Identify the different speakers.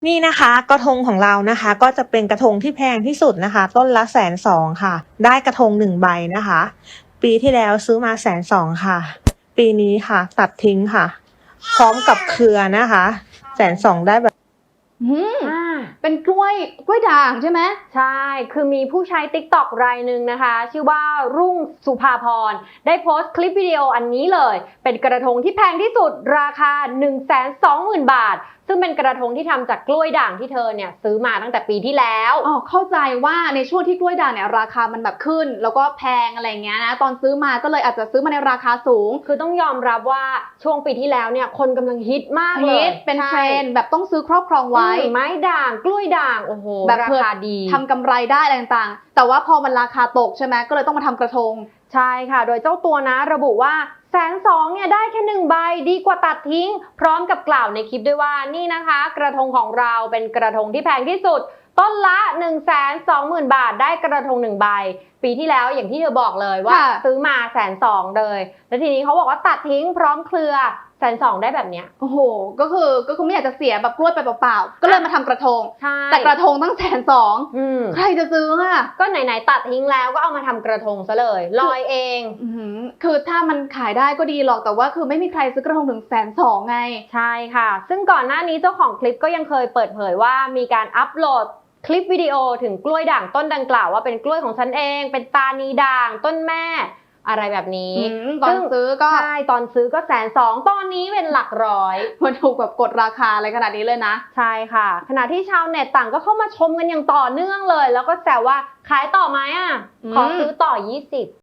Speaker 1: นี่นะคะกระทงของเรานะคะก็จะเป็นกระทงที่แพงที่สุดนะคะต้นละ120,000ค่ะได้กระทง1ใบนะคะปีที่แล้วซื้อมา120,000ค่ะปีนี้ค่ะตัดทิ้งค่ะพร้อมกับเครือนะคะ120,000ได้แบบ
Speaker 2: เป็นกล้วยด่างใช่ไหม
Speaker 3: ใช่คือมีผู้ใช้ TikTok รายหนึ่งนะคะชื่อว่ารุ่งสุภาพรได้โพสต์คลิปวิดีโออันนี้เลยเป็นกระทงที่แพงที่สุดราคา 120,000 บาทซึ่งเป็นกระทงที่ทำจากกล้วยด่างที่เธอเนี่ยซื้อมาตั้งแต่ปีที่แล้ว
Speaker 2: เข้าใจว่าในช่วงที่กล้วยด่างเนี่ยราคามันแบบขึ้นแล้วก็แพงอะไรเงี้ยนะตอนซื้อมาก็เลยอาจจะซื้อมาในราคาสูง
Speaker 3: คือต้องยอมรับว่าช่วงปีที่แล้วเนี่ยคนกำลังฮิตมากเลย
Speaker 2: เป็นเทรนด์แบบต้องซื้อครอบครองไว้
Speaker 3: ไม้ด่างกล้วยด่างโอ้โห
Speaker 2: แบบ
Speaker 3: ราคาดี
Speaker 2: ทำกำไรได้อะไรต่างๆแต่ว่าพอมันราคาตกใช่ไหมก็เลยต้องมาทำกระทง
Speaker 3: ใช่ค่ะโดยเจ้าตัวนะระบุว่า120,000เนี่ยได้แค่1ใบดีกว่าตัดทิ้งพร้อมกับกล่าวในคลิปด้วยว่านี่นะคะกระทงของเราเป็นกระทงที่แพงที่สุดต้นละ 120,000 บาทได้กระทง1ใบปีที่แล้วอย่างที่เธอบอกเลยว่าซื้อมา120,000เลยแล้วทีนี้เขาบอกว่าตัดทิ้งพร้อมเครือ120,000ได้แบบเนี้ย
Speaker 2: โอ้โหก็คือไม่อยากจะเสียแบบกล้วยไปเปล่าๆก็เลยมาทำกระทงแต่กระทงตั้ง120,000ใครจะซื้ออ่ะ
Speaker 3: ก็ไหนๆตัดทิ้งแล้วก็เอามาทำกระทงซะเลยลอยเอง
Speaker 2: คือถ้ามันขายได้ก็ดีหรอกแต่ว่าคือไม่มีใครซื้อกระทงถึง120,000ไง
Speaker 3: ใช่ค่ะซึ่งก่อนหน้านี้เจ้าของคลิปก็ยังเคยเปิดเผยว่ามีการอัปโหลดคลิปวิดีโอถึงกล้วยด่างต้นดังกล่าวว่าเป็นกล้วยของฉันเองเป็นตานีด่างต้นแม่อะไรแบบนี้
Speaker 2: ตอนซื้อก็
Speaker 3: ใช่ตอนซื้อก็120,000ตอนนี้เป็นหลักร้อย
Speaker 2: มันถูกแบบกดราคาอะไรขนาดนี้เลยนะ
Speaker 3: ใช่ค่ะขณะที่ชาวเน็ตต่างก็เข้ามาชมกันอย่างต่อเนื่องเลยแล้วก็แซวว่าขายต่อไหมขอซื้อต่อ20